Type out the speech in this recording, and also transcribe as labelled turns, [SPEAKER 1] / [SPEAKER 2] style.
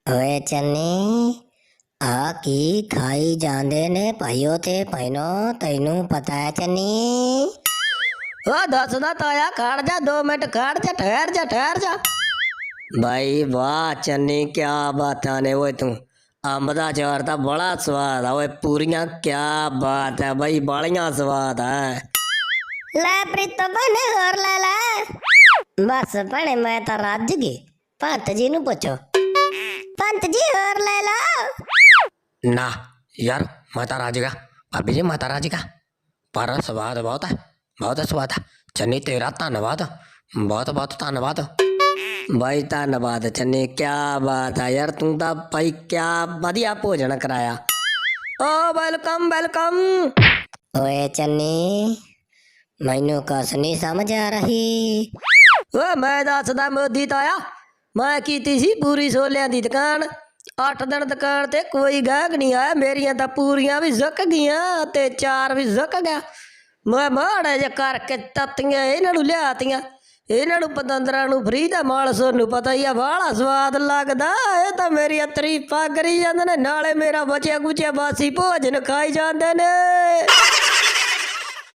[SPEAKER 1] ओए चन्नी आ की खाई जांदे ने भाइयों ते भैनों तैनू पता है चन्नी।
[SPEAKER 2] ओ दसदा ताया खड़ जा 2 मिनट खड़ जा ठहर जा। भाई वाह चन्नी क्या बात ने वो तू अंब दा चार ता बड़ा स्वाद है ओए पूरियां क्या बात है भाई बड़ियां स्वाद है।
[SPEAKER 1] ले प्रीतो बने और ले ले। बस बने मैं तो रज गई। पंत जी नु पूछो। पंत जी और ले लो।
[SPEAKER 2] ना यार माता राजी का भाभी जी माता राजी का पर स्वाद बहुत स्वाद है चन्नी तेरा धन्यवाद बहुत बहुत धन्यवाद भाई धन्यवाद चन्नी क्या बात है यार तू तो भाई क्या बढ़िया भोजन कराया ओ वेलकम वेलकम।
[SPEAKER 1] ओए चन्नी मैनू कस नहीं समझ आ रही।
[SPEAKER 2] ओ मैं दसदा मोदी ताया मैं कीती सी पूरी छोलियां दी दुकान 8 दिन दुकान ते कोई गाहक नहीं आया मेरियां तां पूरियां भी झुक गईयां ते चार भी झुक गया मैं माड़ा जे करके तत्तियां इन्हां नूं लियातियां इन्हां नूं पतंदरां नूं फ्री दा माल सोनू पता ही आ बाहला स्वाद लगदा ਇਹ ਤਾਂ ਮੇਰੀਆਂ ਤਾਰੀਫਾਂ ਕਰੀ ਜਾਂਦੇ ਨੇ ਨਾਲੇ ਮੇਰਾ ਬਚਿਆ ਗੁਚਿਆ ਬਾਸੀ ਭੋਜਨ ਖਾਈ ਜਾਂਦੇ ਨੇ।